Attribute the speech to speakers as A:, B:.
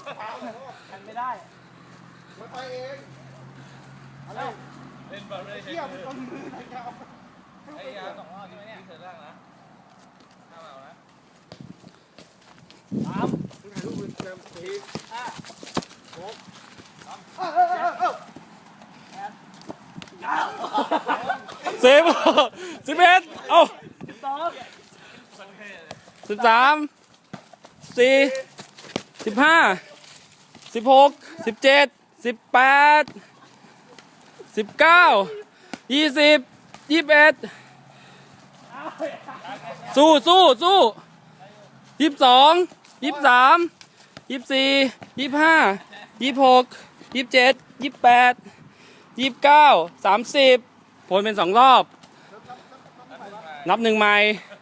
A: กันไม่ได้มันไปเองอะไรเล่นบอลไม่ได้ใช้มือไอ้ยา2 รอบใช่ไหมเนี่ยเสร็จแล้วนะข้าวเอานะ3ถ่ายรูปเป็น4 5 6
B: 10 11เอา13 14 15 16 17 18 19 20 21สู้22 23 24 25 26 27 28 29 30ผลเป็น2 รอบนับ1 ใหม่